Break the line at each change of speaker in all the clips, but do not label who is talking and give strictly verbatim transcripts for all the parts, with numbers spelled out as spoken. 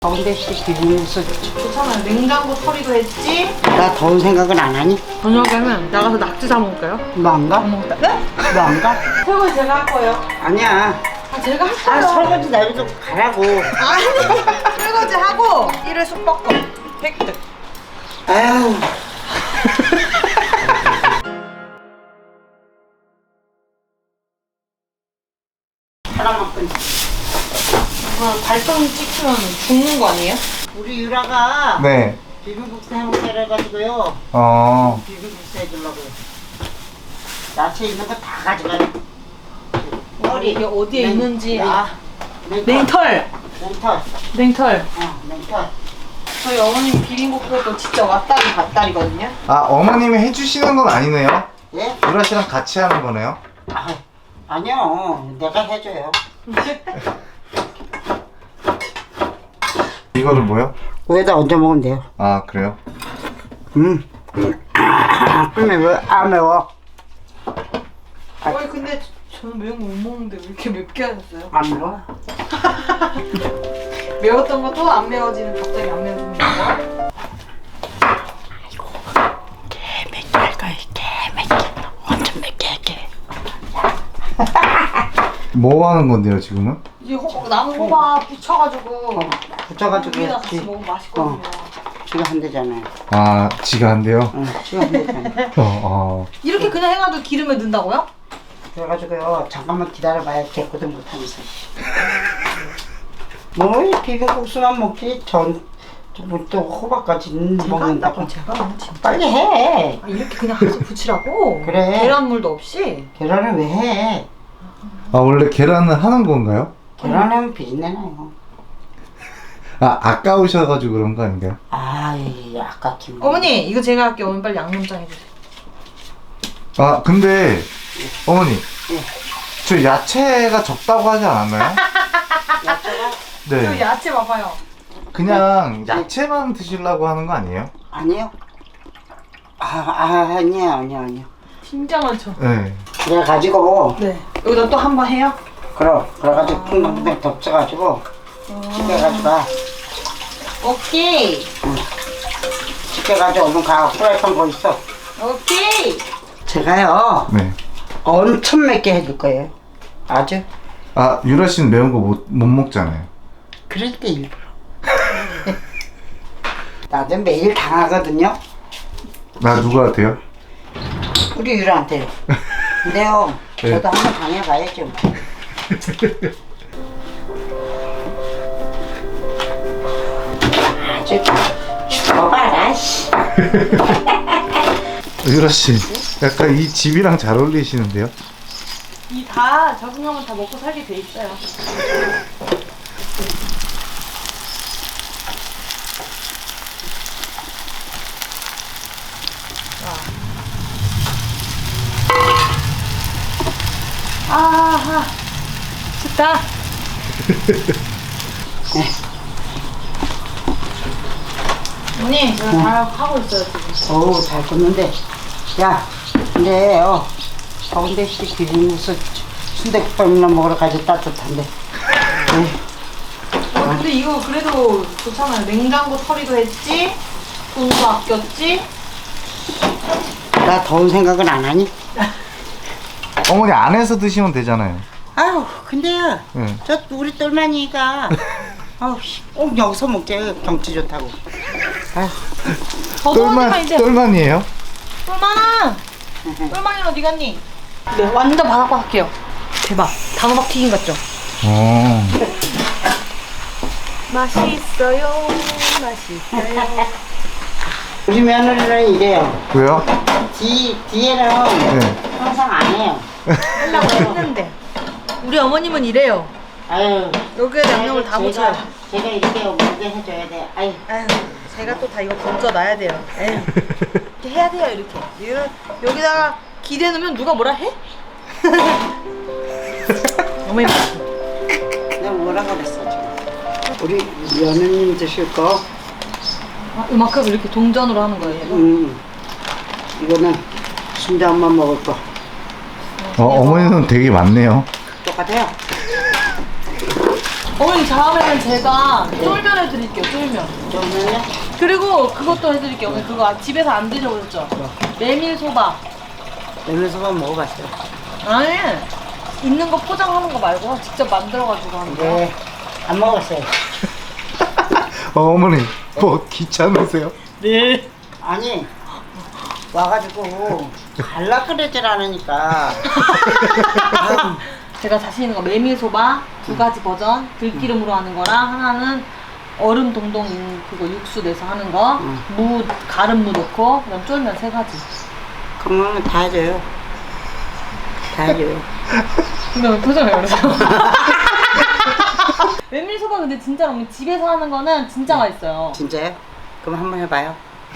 더운데 비빔국수
괜찮아요. 냉장고 처리도 했지?
나 더운 생각은 안 하니?
저녁에는 나가서 낙지 사 먹을까요?
너 안 가?
안 먹다. 네?
너 안 가?
설거지 제가 할 거예요.
아니야.
아, 제가 할
아
거예요.
설거지 내비도 가라고.
아니, 설거지 하고 일회 숙박권 획득.
아유. 하나만 끊.
이거 발성 찍히면 죽는 거 아니에요?
우리 유라가
네.
비빔국수 해먹기로 해가지고요.
어.
비빔국수 해주려고요. 야채 있는 거 다 가져가요. 머리
이게 어디에
냉-
있는지
냉-
아
냉털.
냉털
냉털.
냉털.
어, 냉털.
저희 어머님 비빔국수도 진짜 왔다리 갔다리거든요.
아, 어머님이 해주시는 건 아니네요.
예?
유라 씨랑 같이 하는 거네요.
아, 아니요. 내가 해줘요.
이거는 뭐요?
위에다 얹어 먹으면 돼요.
아, 그래요?
음. 근데 왜 안 매워?
어이 근데 저는 매운 거 못 먹는데 왜 이렇게 맵게 하셨어요?
안 매워?
매웠던 것도 안 매워지는 갑자기 안 매워지는 거.
개맵게 할 거야. 개맵게. 엄청 맵게 할게.
뭐 하는 건데요, 지금은?
이제 호, 나무 호박 부쳐가지고
붙여가지고
위에다 같이
지,
먹으면 맛있거든요.
지가 한대잖아요.
아, 지가 한대요?
응, 지가 한대잖아요.
어, 어.
이렇게 그냥 해가지고 기름에 넣는다고요?
그래가지고요. 잠깐만 기다려봐야 개코든 못하면서. 뭐 비빔국수만 먹지 전, 뭐 또 호박까지 먹는다고.
제가 너무 진짜.
빨리 해.
아, 이렇게 그냥 해서 부치라고?
그래.
계란물도 없이?
계란을 왜 해?
아, 원래 계란을 하는 건가요?
계란하면 비린내나요.
아, 아까우셔가지고 그런 거 아닌가요?
아이 아깝긴.
어머니 이거 제가 할게요. 어머니 빨리 양념장 해주세요.
아, 근데, 어머니.
예.
저 야채가 적다고 하지 않았나요?
야채가?
저
네.
야채 봐봐요.
그냥 야채만 드시려고 하는 거 아니에요?
아니요. 아, 아 아니에요 아니요 아니요.
진짜 많죠?
네.
그래가지고
네. 여기다 또 한 번 해요?
그럼 그래가지고 풍덩풍덩 덮쳐가지고 집게가지고
오케이.
집게가지고 얼른 가. 프라이팬 거 있어.
오케이.
제가요
네.
엄청 맵게 해줄 거예요. 아주.
아, 유라 씨는 매운 거 못 못 먹잖아요.
그럴 때 일부러. 나도 매일 당하거든요.
나 누구한테요?
우리 유라한테. 근데요,
네.
저도 한번 당해봐야죠. 아주 죽어봐라, 씨.
유라 씨, 약간 이 집이랑 잘 어울리시는데요?
이 다 적응하면 다 먹고 살게 돼 있어요. 아하, 좋다. 언니, 제가 잘 하고 있어요 지금.
어우, 잘 굽는데. 야, 근데, 어, 더운데, 씨, 비빔국수 순대국밥이나 먹으러 가지 따뜻한데.
어, 근데 이거 그래도 좋잖아요. 냉장고 처리도 했지, 돈도 아꼈지.
나 더운 생각은 안 하니?
어머니 안에서 드시면 되잖아요.
아유, 근데요,
네.
저 우리 똘마니가, 아우, 씨, 꼭 여기서 먹게 경치 좋다고. 아유,
더더운데만 이제.
똘만이에요?
똘만아! 똘만이 어디 갔니? 네, 완전 바삭바삭해요. 대박. 단호박 튀김 같죠?
어.
맛있어요. 맛있어요.
우리 며느리는 이래요.
왜요?
뒤, 뒤에는
네.
항상 안 해요.
하려고 했는데. 우리 어머님은 이래요.
아유.
여기에 양념을 다
제가-
묻혀요.
제가 이렇게 먹게 해줘야 돼. 아유.
아유, 제가 또 다 이거 건져놔야 돼요. 에휴. 이렇게 해야 돼요, 이렇게. 이거 여기다가 기대 넣으면 누가 뭐라 해? 어머님.
내가 뭐라 그랬어, 지금. 우리 며느님 드실 거,
아, 이만큼 이렇게 동전으로 하는 거예요.
음, 이거는 순대한만 먹을 거.
어, 어머니는 되게 많네요.
똑같아요.
어머니 다음에는 제가 쫄면 해드릴게요. 쫄면.
그러면요?
그리고 그것도 해드릴게요. 어머니 그거 집에서 안 드셔보셨죠? 메밀소바.
메밀소바 먹어봤어요.
아니 있는 거 포장하는 거 말고 직접 만들어가지고 하는 거.
네, 안 먹었어요.
어, 어머니 뭐 귀찮으세요?
네.
아니, 와가지고 갈라 그러질 않으니까.
제가 자신 있는 거 메밀소바 두 가지 버전 들기름으로 하는 거랑 하나는 얼음 동동 있는 그거 육수 내서 하는 거,
응.
무 가른 무 넣고 그다음 쫄면 세 가지.
그러면 다 해줘요. 다 해줘요.
근데 왜 표정이 그러죠? 메밀소바 근데 진짜 어머니 집에서 하는 거는 진짜 맛있어요.
진짜요? 그럼 한번 해봐요.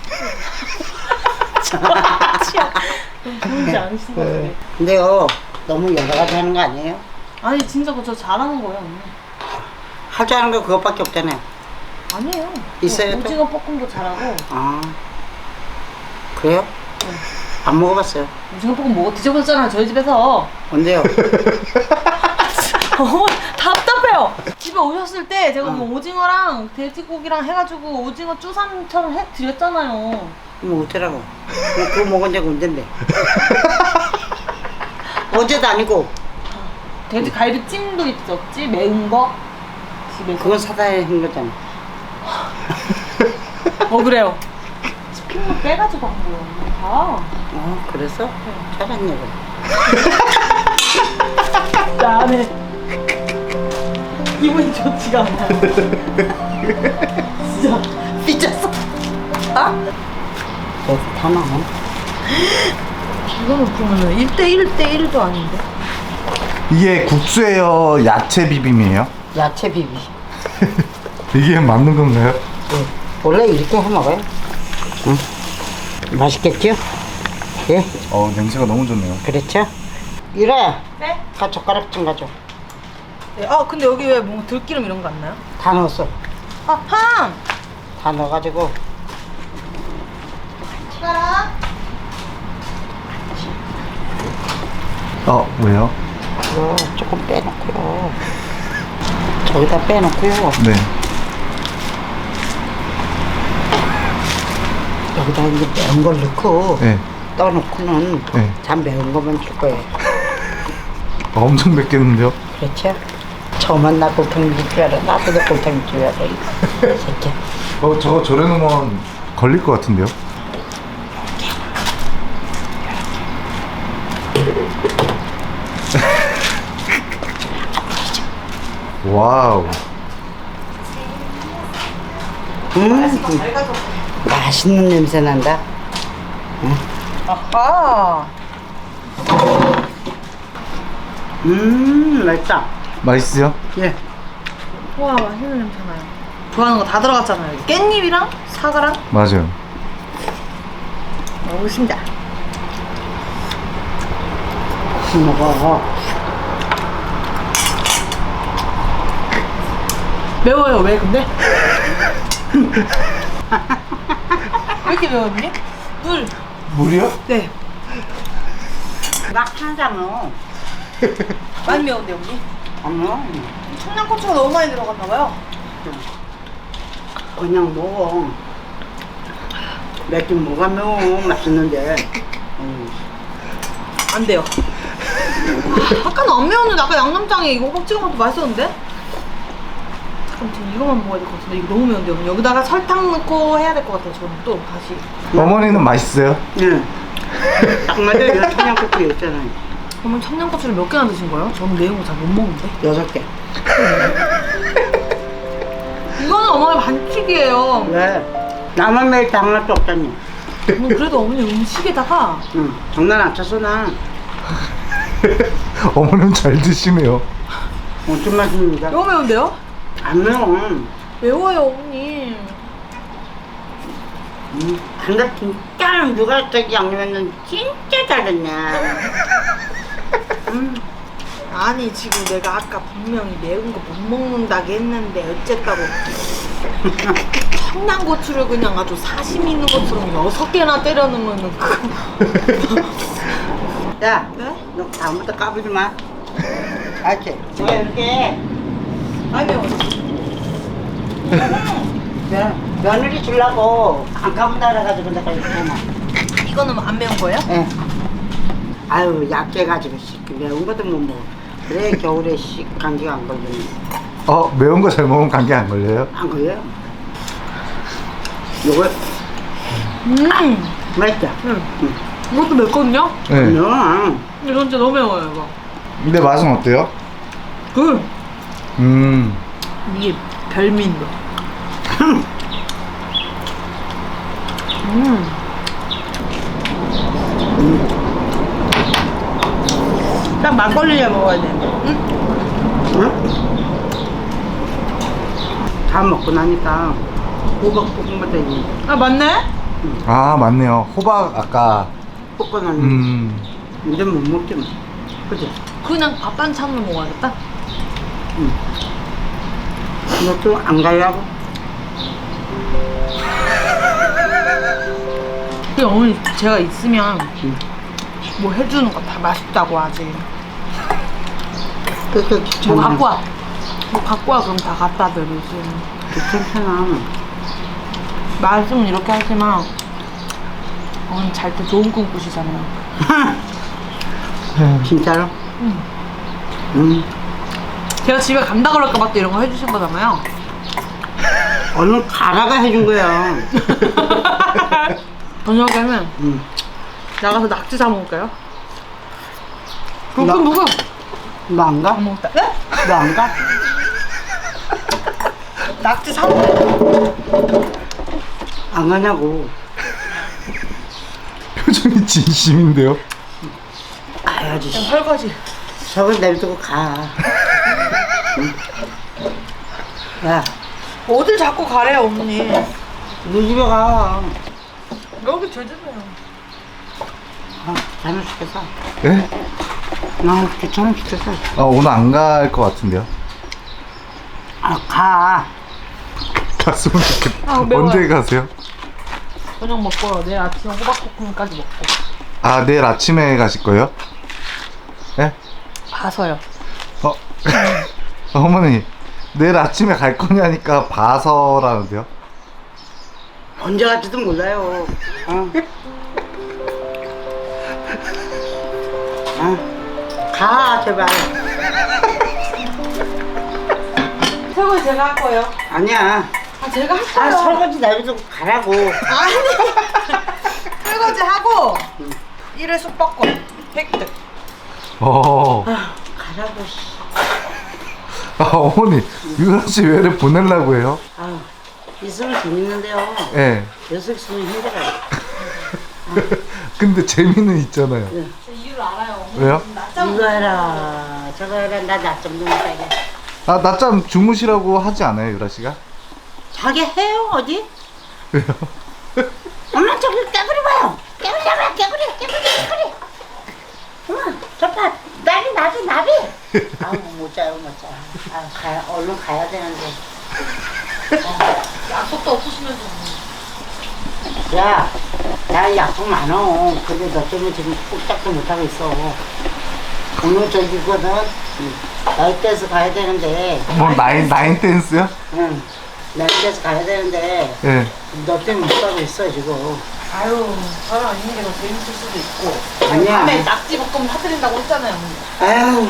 좀 좋은지 않으신 것 같아요.
근데요, 너무 여러 가지 하는 거 아니에요?
아니 진짜 그저 잘하는 거예요 언니.
할 줄 아는 거 그것밖에 없잖아요.
아니에요.
있어요,
뭐,
또?
오징어 볶음도 잘하고.
아, 그래요?
네.
안 먹어봤어요.
오징어 볶음 먹어 드셔보셨잖아요 저희 집에서.
언제요?
어머 답답해요. 집에 오셨을 때 제가
응.
뭐 오징어랑 돼지고기랑 해가지고 오징어 쭈삼처럼 해 드렸잖아요.
뭐 어쩌라고? 뭐 그거 먹은 적 언젠데? 어제도 아니고.
돼지 갈비찜도 있었지 매운 거 집에서.
그건 사다 한 거잖아.
어 그래요. 스피드 빼가지고 한 거예요. 다.
어, 그래서? 잘했네, 그럼.
나네. 기분이 좋지가 않아. 진짜
삐졌어. 아? 그래서 다 나와.
이거는 그러면 일 대 일 대 일도 아닌데.
이게 국수예요, 야채 비빔이에요?
야채 비비.
이게 맞는 건가요?
네. 원래 이렇게 해 먹어요. 응. 맛있겠죠? 예,
어, 냄새가 너무 좋네요.
그렇죠? 이래.
네?
다 젓가락 좀 가져.
네. 아 근데 여기 왜 뭔가 들기름 이런 거 안 나요?
다 넣었어.
아 ham.
다 넣어가지고.
숟가락.
어, 왜요?
이거 조금 빼놓고요. 저기다 빼놓고요.
네.
여기다 이제 매운 걸 넣고
네.
떠놓고는
네.
참 매운 것만 줄 거예요.
어, 엄청 맵겠는데요?
그렇죠? 저만 나 골탕 줄 줄 알아. 나도 골탕 줄 알아. 이 새끼야.
어, 저거 저래놓으면 걸릴 것 같은데요? 와우.
음, 맛있는 냄새 난다.
아하.
음, 맛있다.
맛있어요?
예.
와 맛있는 냄새 나요. 좋아하는 거 다 들어갔잖아요. 깻잎이랑 사과랑
맞아요.
먹으신다.
먹어.
매워요 왜 근데? 왜 이렇게 매워 언니? 물.
물이요?
네.
막 하잖아.
많이 매운데 언니?
아니요.
청양고추가 너무 많이 들어갔나 봐요.
그냥 먹어. 맵긴 뭐가 매워. 맛있는데. 음.
안 돼요. 아까는 안 매웠는데 아까 양념장에 이거 호박 찍어 먹어도 맛있었는데? 잠깐 지금 이거만 먹어야 될 것 같은데 이거 너무 매운데 언니. 여기다가 설탕 넣고 해야 될 것 같아요 저는 또 다시.
어머니는 맛있어요?
네. 딱 맞아요. 여 청양고추 있잖아요.
어머니 청양고추를 몇 개나 드신 거예요? 저는 매운 거 잘 못 먹는데.
여섯 개.
이거는 어머니 반칙이에요.
왜? 나만 매일 당할 수 없잖니.
음, 그래도 어머니 음식에다가
응. 장난 안 쳤어, 나.
어머니는 잘 드시네요.
어떤 맛입니까?
너무 매운데요?
안 매워.
매워요 어머니.
음, 근데 진짜 누가 저기 양념했는 진짜 잘했냐. 음.
아니 지금 내가 아까 분명히 매운 거 못 먹는다고 했는데 어쨌다고 청양고추를 그냥 아주 사심 있는 것처럼 여섯 개나 때려 넣으면은 그...
야,
네?
너 다음부터 까불지 마. 알지? 내가 이렇게
많이 매워요.
면, 며느리 주려고 안 가본다 그래가지고 내가 이렇게 막.
이거는 안 매운 거예요?
예. 아유, 약해가지고 씨, 매운 것도 못 먹어. 그래, 겨울에 씨, 감기가 안 걸리네.
어, 매운 거 잘 먹으면 감기 안 걸려요?
안 걸려요? 요거
음.
맛있다.
응. 이것도 맵거든요?
네.
응.
이건 진짜 너무 매워요, 이거.
근데 맛은 어때요?
그
음.
이게 별미인데. 음. 딱 막걸리에 먹어야 돼. 응?
응? 다 먹고 나니까 호박 볶은 것도 있네.
아 맞네?
아, 맞네요. 호박 아까
볶고 나니
음.
이제 못 먹지 뭐. 그치?
그냥 밥 반찬으로 먹어야겠다.
응. 너도 안 가려고?
근데 어머니 제가 있으면
응.
뭐 해주는 거 다 맛있다고 하지.
그렇게
뭐
귀찮아.
갖고 와. 뭐 갖고 와 그럼 다 갖다 드리지.
귀찮잖아.
말씀은 이렇게 하지만 어머니 잘 때 좋은 꿈 꾸시잖아요.
진짜로?
응.
응.
제가 집에 간다 그럴까 봐 또 이런 거 해주신 거잖아요.
얼른 가라가 해준 거야.
저녁에는
응.
나가서 낙지 사 먹을까요?
나-
그럼 누구?
너 안 가?
안 먹다. 네?
너 안 가?
낙지 사 먹을까요?
안 가냐고.
표정이 진심인데요?
가야지.
그냥 설거지.
저걸 내비두고 가. 응? 야,
어딜 자꾸 가래요, 어머니.
너 집에 가.
여기 제주도요.
아, 잘못 시켰어.
예?
나 귀찮아 시켰어.
아, 오늘 안 갈 것 같은데요?
아, 가.
갔으면 좋겠다.
아, 매워요.
언제 가세요?
저녁 먹고 내일 아침에 호박볶음까지 먹고.
아, 내일 아침에 가실 거예요? 예?
봐서요.
어? 어머니, 내일 아침에 갈 거냐니까 봐서라는데요?
언제 갈지도 몰라요. 어. 어. 가, 제발.
설거지 제가 할 거예요.
아니야.
아, 제가 할
아,
거예요.
설거지 내비두고 가라고.
아니. 설거지 하고 일회 숙박권 획득.
어.
아, 가라고, 씨.
아, 어머니, 유라 씨 왜를 보내려고 해요?
아, 있으면 재밌는데요.
예.
여섯 있으면 힘들어요.
근데 재미는 있잖아요.
저 이유를 알아요.
왜요?
낮잠
이거 해라, 저거 해라, 나 낮잠 좀 자게.
아, 낮잠 주무시라고 하지 않아요, 유라 씨가?
자게 해요, 어디?
왜요?
엄마, 저기 깨구리 봐요. 깨구리 잡아, 깨구리, 깨구리, 깨구리. 엄마, 저 봐, 나비, 나비, 나비. 아우, 못 자요, 못 자. 아, 가야, 얼른 가야 되는데.
약속도 없으시면서.
야, 나 약속 많어. 근데 너 때문에 지금 꾹짝도 못하고 있어. 오늘 저기거든. 나이 때서 가야 되는데.
뭐, 나인, 나인 댄스요?
응. 나이 때서 가야 되는데.
예.
너 때문에 못 가고 있어, 지금.
아유, 저랑 있는 게 더 재밌을 수도 있고.
아니야.
밤에 낙지 볶음 사드린다고 했잖아요.
아유.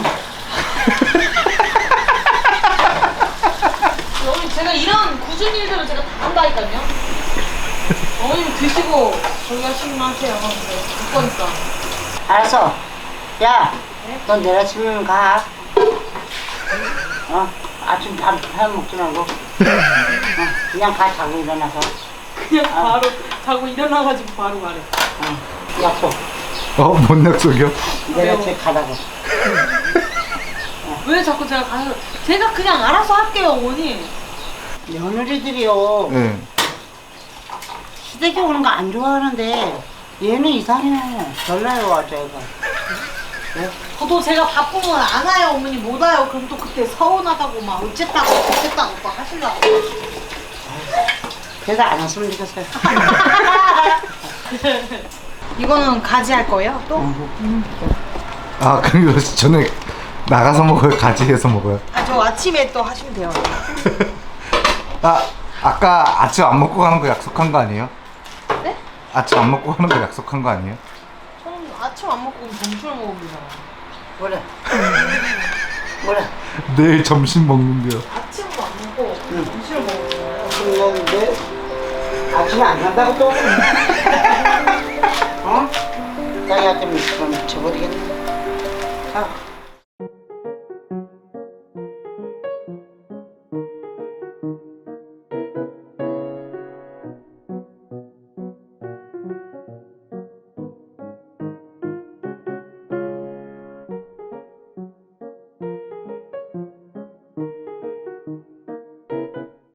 어머니 제가 이런 굳은 일들을 제가 다 한다니까요. 어머님 드시고 저기 하시면 하세요. 네, 볼 거니까.
알았어. 야,
네?
너 내일 아침에 가. 어? 아침 밥, 밥 먹지 말고. 어, 그냥 가, 자고 일어나서.
그냥 바로 자고 일어나가지고 바로 가래.
어, 약속.
어, 뭔 약속이요?
내일
매워.
아침에 가라고.
왜 자꾸 제가 가서 제가 그냥 알아서 할게요, 어머니.
며느리들이요.
예.
시댁에 오는 거 안 좋아하는데 얘는 이상해. 별나요, 저희가. 네?
저도 제가 바쁘면 안 와요, 어머니 못 와요. 그럼 또 그때 서운하다고 막 어쨌다고 어쨌다고 막 하시려고.
그래서 안 왔으면 좋겠어요.
이거는 가지 할 거예요, 또?
아, 그럼 이거 저녁 나가서 먹어요? 같이 해서 먹어요?
아, 저 아침에 또 하시면 돼요.
아 아까 아침 안 먹고 가는 거 약속한 거 아니에요?
네?
아침 안 먹고 가는 거 약속한 거 아니에요?
저는 아침 안 먹고 점심을 먹으면 되잖아.
뭐래? 뭐래?
내일 점심 먹는데요.
아침도 안 먹고 점심을 먹으면
그런데 아침에 안 간다고 또? 어? 자기가 좀 그럼 쳐버리겠네. 자.